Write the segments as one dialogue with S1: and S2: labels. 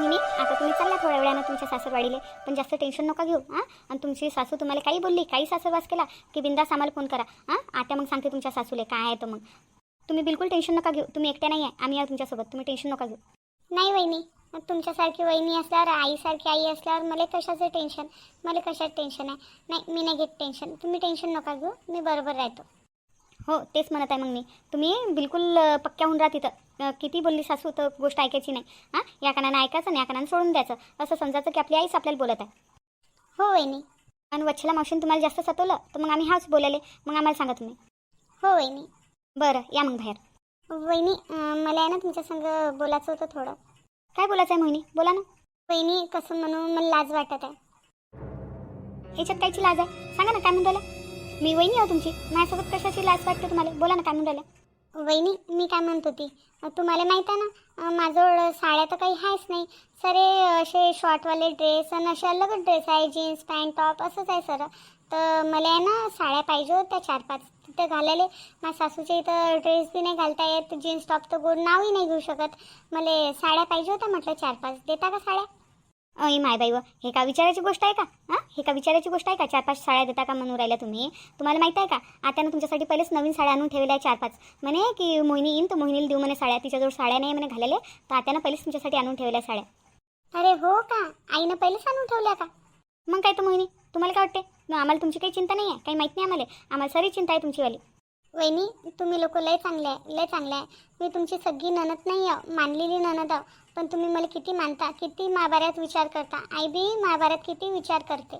S1: वहिनी आता तुम्ही चालला थोड्या वेळानं तुमच्या सासरवाडीले, पण जास्त टेन्शन नका घेऊ हां. आणि तुमची सासू तुम्हाला काही बोलली, काही सासरवास केला की बिंदास आम्हाला फोन करा हां. आता मग सांगते तुमच्या सासूले काय आहे तर मग तुम्ही बिलकुल टेन्शन नका घेऊ. तुम्ही एकट्या नाही आहे, आम्ही आहे तुमच्यासोबत. तुम्ही टेन्शन नका घेऊ. नाही वहिनी, तुमच्यासारखी वहिनी असल्यावर, आईसारखी आई असल्यावर मला कशाचं टेन्शन, मला कशात टेन्शन आहे. नाही, मी नाही घेत टेन्शन. तुम्ही टेन्शन नका घेऊ, मी बरोबर राहतो. हो तेच म्हणत आहे मग मी. तुम्ही बिलकुल पक्क्या होऊन राहा तिथं. किती बोलली सासू तर गोष्ट ऐकायची नाही हां. या कानानं ऐकायचं आणि या कानानं सोडून द्यायचं. असं समजायचं की आपली आईच आपल्याला बोलत आहे. हो वहिनी. आणि वच्छला मावशीने तुम्हाला जास्त सतवलं तर मग आम्ही हाच बोलायले, मग आम्हाला सांगा तुम्ही. हो वहिनी. बरं या मग बाहेर. वहिनी मला आहे ना तुमच्या संग बोलायचं होतं थोडं. काय बोलायचं आहे मोहिनी, बोला ना. वहिनी कसं म्हणून मला लाज वाटत आहे. ह्याच्यात कायची लाज आहे, सांगा ना काय म्हणून राहिला. मी वहिनी आहे तुमची, माझ्यासोबत कशाची लाज वाटते तुम्हाला, बोला ना काय म्हणून राहिला. वहिनी मी काय म्हणत होती, तुम्हाला माहीत आहे ना माझ्याजवळ साड्या तर काही आहेच नाही. सरे असे शॉर्टवाले ड्रेस आणि असे अलगच ड्रेस आहे, जीन्स पॅन्ट टॉप असंच आहे सर. तर मला आहे ना साड्या पाहिजे होत्या 4-5 तिथं घालायला. माझ्या सासूच्या इथं ड्रेस बी नाही घालता येत, जीन्स टॉप तर गोड नावही नाही घेऊ शकत. मला साड्या पाहिजे होत्या म्हटलं 4-5. देता का साड्या. अय माय बाई व, हे का विचारायची गोष्ट आहे का हां. हे का विचारायची गोष्ट आहे का, 4-5 साड्या देता का म्हणून राहिल्या तुम्ही. तुम्हाला माहीत आहे का आत्यानं तुमच्यासाठी पहिलेच नवीन साड्या आणून ठेवल्या आहे 4-5. म्हणे की मोहिनी येईन तर मोहिनीला देऊ म्हणे साड्या. तिच्याजवळ साड्या नाही म्हणे घालायला, तर आत्यानं पहिलेच तुमच्यासाठी आणून ठेवल्या साड्या. अरे हो का, आईनं पहिलेच आणून ठेवल्या का. मग काय तर मोहिनी, तुम्हाला काय वाटते मग आम्हाला तुमची काही चिंता नाही आहे, काही माहीत नाही आम्हाला सारी चिंता आहे तुमचीवाली. वहिनी तुम्ही लोक लय चांगले आहे, लय चांगले आहे. मी तुमची सगळी नणद नाही आहे, मानलेली नणद आहे. पण तुम्ही मला किती मानता, किती महाभारत विचार करता. आई बी महाभारत किती विचार करते.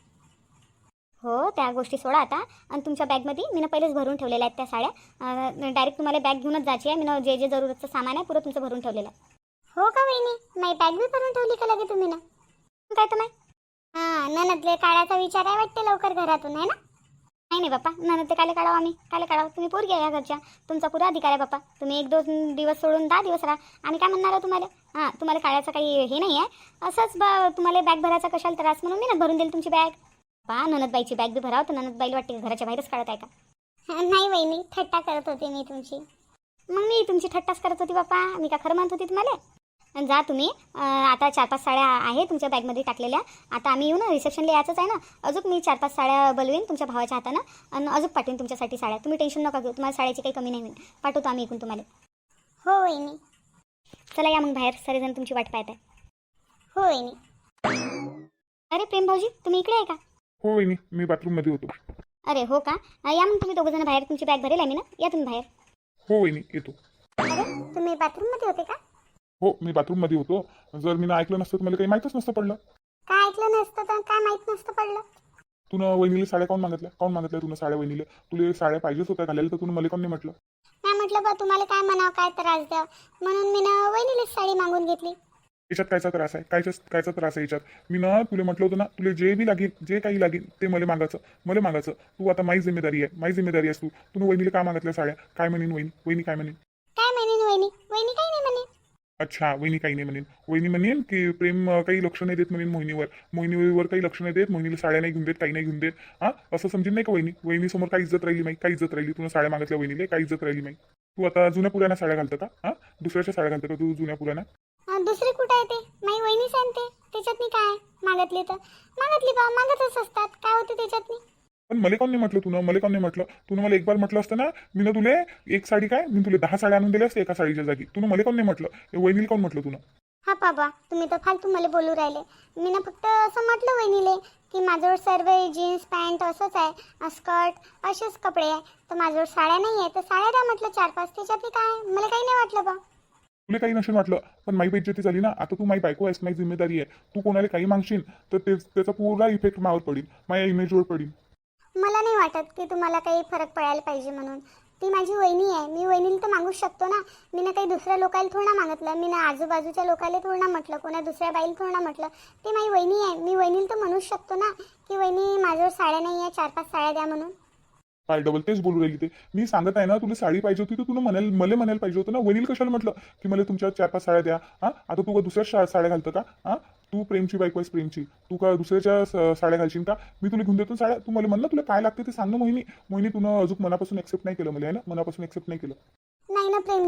S1: हो त्या गोष्टी सोडा आता. आणि तुमच्या बॅगमध्ये मी पहिलेच भरून ठेवलेल्या आहेत त्या साड्या. डायरेक्ट तुम्हाला बॅग घेऊनच जायची आहे. मी जे जरूरतचं सामान आहे पुरं तुमचं भरून ठेवलेलं आहे. हो का वहिनी, माझी बॅग बी भरून ठेवली का लगे तुम्ही ना. काय तर नाही हां, नणदले काढायचा विचार आहे वाटते लवकर घरातून आहे ना. नाही नाही बाप्पा, नणद ते कायले काढावं आम्ही, कायले काढावं. तुम्ही पोरगी आहे या घरच्या, तुमचा पुरा अधिकार आहे बाप्पा. तुम्ही 1-2 दिवस सोडून 10 दिवस राहा, आम्ही काय म्हणणार आहे तुम्हाला. हां तुम्हाला काढायचं काही हे नाही आहे. असंच तुम्हाला बॅग भरायचा कशाला त्रास म्हणून मी ना भरून देईल तुमची बॅग. पा नणदबाईची बॅग बी भरावं तर नणदबाईला वाटते की घराच्या बाहेरच काढत आहे का. नाही वहिनी, थट्टा करत होते मी तुमची. मग मी तुमची थट्टाच करत होती बाप्पा, मी का खरं म्हणत होती तुम्हाला. आणि जा तुम्ही. आता 4-5 साड्या आहे तुमच्या बॅगमध्ये टाकलेल्या. आता आम्ही येऊ ना, रिसेप्शनला यायचंच आहे ना. अजून मी 4-5 साड्या बोलवीन तुमच्या भावाच्या हातानं आणि अजून पाठवीन तुमच्यासाठी साड्या. तुम्ही टेन्शन नका घेऊ, तुम्हाला साड्याची काही कमी नाही होईल. पाठवतो आम्ही इकडून तुम्हाला. हो वहिनी. चला या मग बाहेर, सगळेजण तुमची वाट पाहत आहे. हो वहिनी. अरे प्रेम भाऊजी तुम्ही इकडे आहे का.
S2: हो वहिनी, मी बाथरूममध्ये होतो.
S1: अरे हो का, या मग तुम्ही दोघं जण बाहेर, तुमची बॅग भरेल आहे मी ना, या तुम्ही बाहेर.
S2: हो वहिनी येतो.
S1: अरे तुम्ही बाथरूममध्ये होते का.
S2: हो मी बाथरूममध्ये होतो. जर मी ऐकलं नसतं तर मला काही माहीतच नसतं पडलं.
S1: काय ऐकलं नसतं तर काय माहीत नसतं पडलं.
S2: तुला वहिनीला साड्या काऊन मागितल्या तुला साड्या वहिनीला. तुला साड्या पाहिजेच होत्या घालायला, तर तुला मला कोण नाही म्हटलं.
S1: नाही म्हटलं बा तुम्हाला काय म्हणावं, काय त्रास द्या म्हणून मी ना वहिनीलाच साडी मागून घेतली.
S2: याच्यात कायचा त्रास आहे, कायचा त्रास आहे याच्यात. मी ना तुला म्हटलं होतं ना, तुला जे बी लागेल, जे काही लागेल ते मला मागायचं. तू आता माझी जिम्मेदारी आहेस तू. वहिनीला काय मागितल्या साड्या, काय म्हणेन वहिनी काय म्हणेन.
S1: काय म्हणेन वहिनी काही नाही म्हणेन.
S2: अच्छा वहिनी काही नाही म्हणेन. वहिनी म्हणेन की प्रेम काही लक्ष नाही देत म्हणेन मोहिनीवर काही लक्ष नाही देत, मोहिनीला साड्या नाही घेऊन देत, काही नाही घेऊन देत. हां असं समजेन नाही का वहिनी समोर काही इज्जत राहिली काही इज्जत राहिली. तुला साड्या मागितल्या वहिनीला, काही इज्जत राहिली नाही. तू आता जुन्या पुराण्या साड्या घालतं का. हां दुसऱ्याच्या साड्या घालतं का तू जुन्या पुराण्या.
S1: दुसरी कुठं आहे ते, माझी वहिनी सांगते. त्याच्यात काय मागतली तर मागतली बा, मागतच असतात, काय होते त्याच्यात.
S2: पण मला कोण नाही म्हटलं. तुला मला एक बार म्हटलं असतं ना, मी ना तुला एक साडी काय मी तुला 10 साड्या आणून दिल्या असते एका साडीच्या जागी. तुला मला कोण नाही म्हटलं, वहिनीला कोण म्हटलं तुला.
S1: हा बाबा तुम्ही तर फालतू मला बोलू राहिले. मी ना फक्त असं म्हटलं वहिनीले की माझ्याजवळ सर्व जीन्स पॅन्ट असंच आहे, स्कर्ट असेच कपडे आहे, तर माझ्याजवळ साड्या नाही आहे, तर साड्या द्या म्हटलं 4-5. त्याच्यातली काय, मला काही नाही वाटलं बा.
S2: तुला काही नसेल वाटलं, पण माझी बेइज्जती झाली ना. आता तू माझी बायको आहेस, माझी जिम्मेदारी आहे. तू कोणाला काही मागशील तर त्याचा पूर्ण इफेक्ट मावर पडेल, माझ्या इमेजवर पडेल.
S1: मला नाही वाटत की तुम्हाला काही फरक पडायला पाहिजे म्हणून. ती माझी वहिनी आहे, मी वहिनीला तर मागूच शकतो ना. मी ना काही दुसऱ्या लोकाला थोडं ना मागितलं, मी ना आजूबाजूच्या लोकाला थोडं ना म्हटलं, कोणा दुसऱ्या बाईला थोडं ना म्हटलं. ती माझी वहिनी आहे, मी वहिनीला तर म्हणूच शकतो ना की वहिनी माझ्यावर साड्या नाही आहे, 4-5 साड्या द्या म्हणून.
S2: काय डबल तेच बोलू राहिली. ते मी सांगत आहे ना, तुला साडी पाहिजे होती तर तुला मला म्हणायला पाहिजे होतं ना. वहिनीला कशाला म्हटलं की मला तुमच्या 4-5 साड्या द्या. हां आता तू का दुसऱ्या साड्या घालतं का. हां तू प्रेमची बायको आहेस, प्रेमची. तू का दुसऱ्याच्या साड्या घालशील का. मी तुला घेऊन देतो साड्या. तू मला म्हणलं तुला काय लागते ते सांग ना मोहिनी. तुला अजून मनापासून एक्सेप्ट नाही केलं मला, आहे ना, मनापासून एक्सेप्ट नाही केलं.
S1: नाही ना प्रेमजी,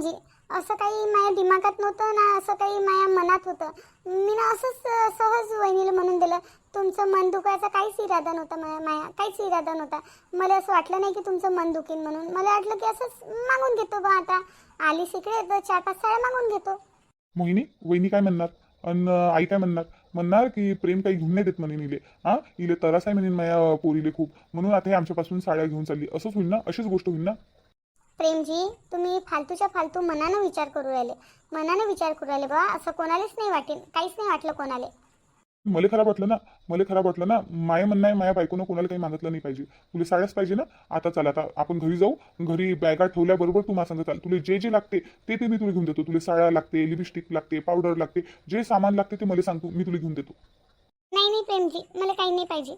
S1: असं काही माझ्या दिमागात नव्हतं ना, असं काही माझ्या मनात होतं. मी ना असंच सहज वहिनीला म्हणून दिलं. तुमचं मन दुखायचा काहीच इरादा नव्हता माया, काहीच इरादा नव्हता. मला असं वाटलं नाही की तुमचं मन दुखेल म्हणून. मला वाटलं की असंच मागून घेतो बा, आता आलीस इकडे तर 4-5 साड्या मागून घेतो.
S2: मोहिनी, वहिनी काय म्हणणार अन आई काय म्हणणार की प्रेम काही घेऊन नाही देत म्हणे इले. इले तरास आहे म्हणे माझ्या पोरीले खूप, म्हणून आता हे आमच्यापासून साड्या घेऊन चालली. असंच होईल ना, अशीच गोष्ट होईल ना.
S1: प्रेमजी, तुम्ही फालतूच्या फालतू मनानं विचार करू राहिले बा. असं कोणालाच नाही वाटेल, काहीच नाही वाटलं कोणाला.
S2: मला खराब वाटलं ना. माया म्हणणं आहे, माया बायकोनं कोणाला काही मागितलं नाही पाहिजे. तुला साड्याच पाहिजे ना. आता चल, आता आपण घरी जाऊ. घरी बॅगा ठेवल्याबरोबर तू माझ्या संग चाल. तुला जे जे लागते ते मी तुला घेऊन देतो. तुला साड्या लागते, लिपस्टिक लागते, पावडर लागते, जे सामान लागते ते मला सांगतो, मी तुला घेऊन देतो.
S1: नाही प्रेमजी, मला काही नाही पाहिजे.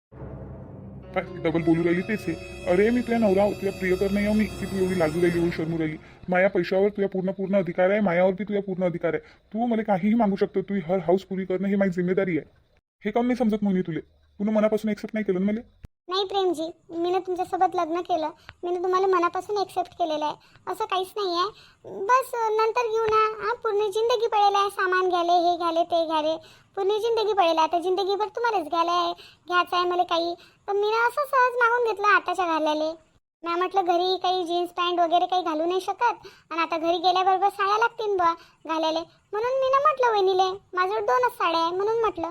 S2: काय डबल बोलू राहिली तेच आहे. अरे मी तुझ्या नवरा, तुझ्या प्रियकर नाही मी की तू एवढी लाजू राहिली, एवढी शर्मू राहिली. माया पैशावर तुझ्या पूर्ण अधिकार आहे, मायावरती तुझ्या पूर्ण अधिकार आहे. तू मला काहीही मागू शकतो. तू हर हाऊस पुरी करणं ही माझी जिम्मेदारी आहे. हे काऊन नाही समजत म्हणून तुला मनापासून एक्सेप्ट नाही केलं ना मला.
S1: नाही प्रेमजी, मी ना तुमच्यासोबत लग्न केलं, मी ना तुम्हाला मनापासून एक्सेप्ट केलेलं आहे. असं काहीच नाही आहे. बस नंतर घेऊ ना. पूर्ण जिंदगी पडेल आहे, सामान घ्याले, हे घ्याले, ते घ्याले, पूर्ण जिंदगी पडेल. आता जिंदगीभर तुम्हालाच घ्यायचं आहे मला काही. पण मी ना असं सहज मागून घेतलं आताच्या घालायला. मी म्हटलं घरी काही जीन्स पॅन्ट वगैरे काही घालू नाही शकत, आणि आता घरी गेल्याबरोबर साड्या लागतील बा घालायला. म्हणून मी ना म्हटलं वहिनीले, माझ्यावर 2च साड्या आहे म्हणून म्हटलं.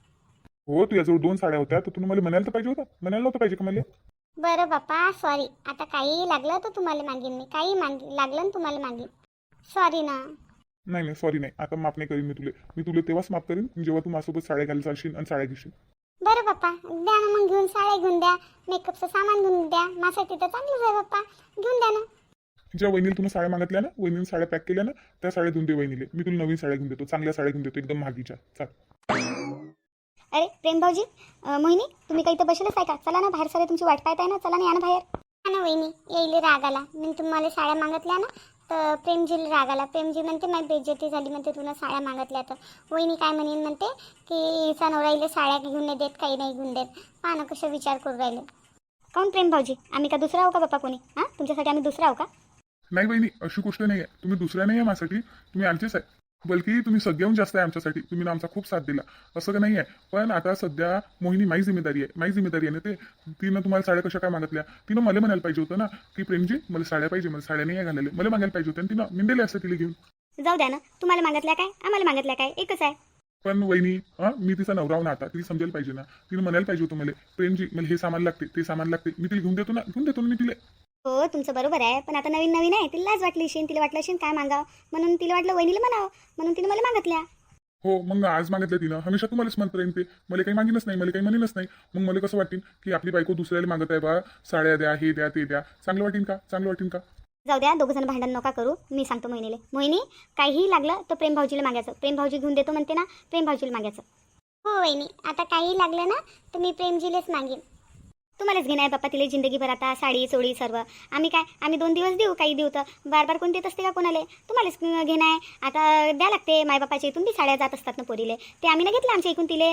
S2: हो, तुझ्याजवळ 2 साड्या होत्या तर तुम्ही मला म्हणायला तर पाहिजे होतं. म्हणायला नव्हतं पाहिजे का मला.
S1: बरं बाप्पा, सॉरी. आता काही लागलं तर तुम्हाला मागीन मी, काही लागलं ना तुम्हाला मागीन. सॉरी ना.
S2: नाही सॉरी नाही. आता माफ नाही करीन मी तुला तेव्हाच माफ करीन जेव्हा तू माझ्यासोबत साड्या घालत चालशील आणि साड्या घेशील.
S1: बरं बाप्पा, द्या ना मग घेऊन. साड्या घेऊन द्या, मेकअपचं सामान घेऊन द्या. माझ्यासाठी तर चांगलंच आहे बाप्पा, घेऊन द्या ना.
S2: ज्या वहिनीला तुम्ही साड्या मागितल्या ना, वहिनीने साड्या पॅक केल्या ना, त्या साड्या घेऊन दे वहिनीले. मी तुला नवीन साड्या घेऊन देतो, चांगल्या साड्या घेऊन देतो, एकदम महागीच्या. चाल.
S1: अरे प्रेम भाऊजी, मोहिनी, तुम्ही काही तर बसलेच आहे का? चला ना बाहेर, सारे तुमची वाट पाहत आहे ना. चला ना, या ना बाहेर. हा ना वहिनी, येईल राग आला. मी तुम्हाला साड्या मागितल्या ना तर प्रेमजीला राग आला. प्रेमजी म्हणते माझी बेइज्जती झाली म्हणते, तुला साड्या मागितल्या तर. वहिनी काय म्हणेन म्हणते की हिचा नवरा हिला साड्या घेऊन नाही देत, काही नाही घेऊन देत. पहा ना कसं विचार करू राहिले. काऊन प्रेम भाऊजी, आम्ही का दुसरा आहो का बाप्पा कोणी? तुमच्यासाठी आम्ही दुसरा आहो का?
S2: नाही बहिणी, अशी गोष्ट नाही आहे. तुम्ही दुसऱ्या नाही आहे माझ्यासाठी, तुम्ही आमचेच आहे. बल्कि तुम्ही सगळ्याहून जास्त आहे आमच्यासाठी. तुम्ही ना आमचा खूप साथ दिला, असं का नाही आहे. पण आता सध्या मोहिनी माझी जिम्मेदारी आहे ना. ते तिनं तुम्हाला साड्या कशा काय मागितल्या. तिनं मला म्हणायला पाहिजे होतं ना की प्रेमजी मला साड्या पाहिजे, मला साड्या नाही आहे घालायला. मला मागायला पाहिजे होतं आणि तिनं मिंडेले असते तिला घेऊन.
S1: जाऊ द्या ना, तुम्हाला मागितल्या काय, आम्हाला मागितल्या काय, एकच आहे.
S2: पण वहिनी, मी तिचा नवरा ना, आता तिला समजायला पाहिजे ना. तिनं म्हणायला पाहिजे होतं मला, प्रेमजी मला हे सामान लागते, ते सामान लागते. मी तिला घेऊन देतो ना मी तिला.
S1: हो, तुमचं बरोबर आहे. पण आता नवीन आहे, तिला लाज वाटली असेल, तिला वाटलं असेल काय मागावं, म्हणून तिला वाटलं वहिनीला म्हणावं, म्हणून तिने मला मागितल्या.
S2: हो, मग आज मागितलं तिनं. हमेशा तुम्हालाच म्हणत राहीन ते. मला काही मागिनच नाही, मला काही म्हणेनच नाही. मग मला कसं वाटेल की आपली बायको दुसऱ्याला मागत आहे बा, साड्या द्या, हे द्या, ते द्या. चांगलं वाटेल का?
S1: जाऊ द्या, दोघं जण भांडण नका करू. मी सांगतो मोहिनीले, मोहिनी काहीही लागलं तर प्रेम भाऊजीला मागायचं. प्रेम भाऊजी घेऊन देतो म्हणते ना, प्रेम भाऊजीला मागायचं. हो वहिनी, आता काही लागलं ना तर मी प्रेमजीलेच मागेन. तुम्हालाच घेणार बाप्पा तिला जिंदगीभर. आता साडी चोळी सर्व आम्ही 2 दिवस देऊ, काही देऊ तर बार कोण देत असते का कोणाला? तुम्हालाच घेणार. आता द्या लागते. मायबापाच्या इथून बी साड्या जात असतात ना पोरीले, ते आम्ही ना घेतलं आमच्या इकडून तिले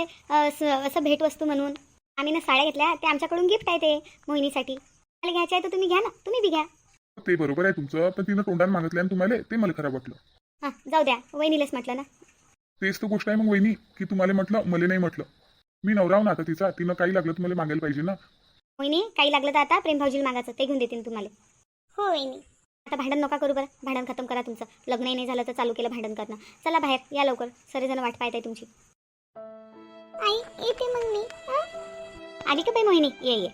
S1: असं भेटवस्तू म्हणून. आम्ही ना साड्या घेतल्या, ते आमच्याकडून गिफ्ट आहे ते मोहिनीसाठी. मला घ्यायचं आहे तर तुम्ही घ्या ना, तुम्ही बी घ्या.
S2: ते बरोबर आहे तुमचं, पण तिनं तोंडाने मागितलं आणि तुम्हाला ते मला खराब वाटलं.
S1: हां, जाऊ द्या, वहिनीलाच म्हटलं ना.
S2: तेच तर गोष्ट आहे मग वहिनी, की तुम्हाला म्हटलं मला नाही म्हटलं. मी नवराव ना आता तिचा. तिनं काही लागलं तुम्हाला मागायला पाहिजे ना.
S1: मोहिनी काही लागलं तर आता प्रेम भाऊजीला मागायचं, ते घेऊन देतील तुम्हाला. हो वहिनी. आता भांडण नका करू बरं, भांडण खतम करा तुमचं. लग्नही नाही झालं तर चालू केलं भांडण करणं. चला बाहेर या लवकर, सगळेजण वाट पाहत आहे तुमची. आई येते मग मी. आली का बाई मोहिनी? ये.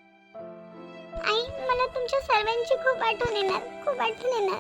S1: आई मला तुमच्या सर्वांची खूप आठवण येणार.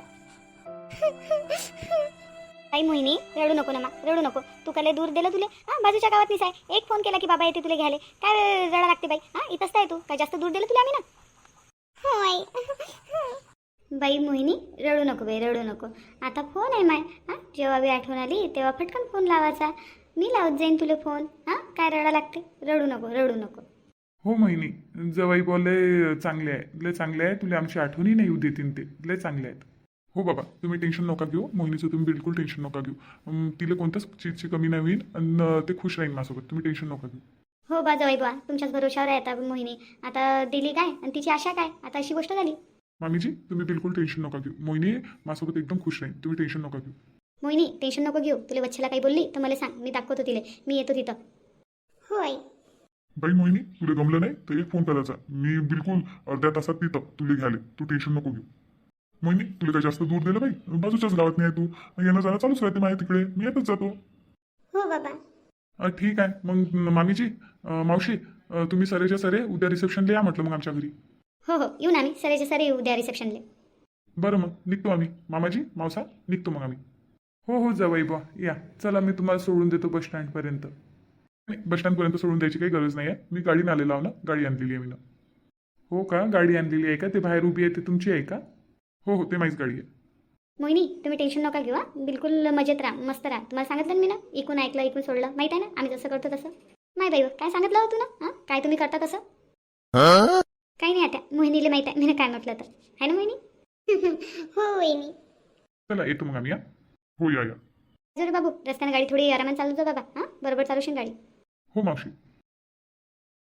S1: आई मोहिनी रडू नको ना, रडू नको. तू काय दूर दिलं तुले? बाजूच्या गावात निसाय एक फोन केला की बाबा येते तुला घ्यायला. काय रडा लागते बाई? इथंच आहे तू, काय जास्त दूर दिलं तुला आम्ही ना. हो आई. बाई मोहिनी रडू नको बाई, रडू नको. आता फोन आहे माय. जेव्हा बी आठवण आली तेव्हा फटकन फोन लावायचा. मी लावत जाईन तुला फोन. काय रडा लागते? रडू नको.
S2: हो मोहिनी, जवाई बोलले चांगले आहे, लय चांगले आहे. तुला आमची आठवणी नाही येऊ देतील, ते लय चांगले आहेत. हो बाबा, तुम्ही टेन्शन नका घेऊ. मोहिनीचं तुम्ही बिलकुल टेन्शन नका घेऊ. तिला कोणत्याच चीजची कमी नाही होईल आणि ते खुश राहील माझ्यासोबत. तुम्ही टेन्शन नका घेऊ.
S1: हो बा जवाई बा, तुमच्याच भरोशावर आहे आता मोहिनी. आता दिली काय आणि तिची आशा काय? आता अशी गोष्ट झाली.
S2: मामीजी तुम्ही बिलकुल टेन्शन नका घेऊ. मोहिनी माझ्यासोबत एकदम खुश राहील. तुम्ही टेन्शन नका घेऊ.
S1: मोहिनी टेन्शन नको घेऊ. तुला वच्छला काही बोलली तर मला सांग, मी दाखवतो तिला. मी येतो तिथं. हो आई.
S2: बाई मोहिनी तुला गमलं नाही तर एक फोन करायचा. मी बिलकुल अर्ध्या तासात तिथं तुला घ्याले. तू टेन्शन नको घेऊ. मोहिनी तुला काही जास्त दूर दिलं बाई, बाजूच्याच गावात नाही आहे तू. येणं जाणं चालूच राहते माझ्या तिकडे. मी येतच जातो.
S1: हो बाबा.
S2: ठीक आहे मग मामीजी, मावशी, तुम्ही सरेच्या सरे उद्या रिसेप्शनला या म्हटलं मग आमच्या घरी.
S1: हो हो येऊन आम्ही सरेचे सरे येऊ द्या रिसेप्शनले.
S2: बरं मग निघतो आम्ही. मामाजी मावसा निघतो मग आम्ही. हो हो जावई बा या. चला मी तुम्हाला सोडून देतो बस स्टँडपर्यंत. नाही बस स्टँडपर्यंत सोडून द्यायची काही गरज नाही आहे. मी गाडीने आलेलो आहो ना, गाडी आणलेली आहे मी ना. हो का, गाडी आणलेली आहे का? ते बाहेर उभी आहे ते तुमची आहे का? हो हो ते माझीच गाडी आहे.
S1: मोहिनी तुम्ही टेन्शन नका घेऊ. बिलकुल मजेत राहा, मस्त राहा. तुम्हाला सांगितलं ना मी ना, इकून ऐकलं इकून सोडलं. माहीत आहे ना आम्ही जसं करतो तसं. नाही बाई काय सांगितलं हो तू ना, काय तुम्ही करता तसं. काही नाही आता मोहिनीला माहीत आहे मी काय म्हटलं तर. आहे ना मोहिनी. हो वहिनी.
S2: चला येतो मग आम्ही या. हो या या.
S1: जर बाबू रस्त्याने गाडी थोडी आरामात चालू जा बाबा. बरोबर चालूशील गाडी.
S2: हो मावशी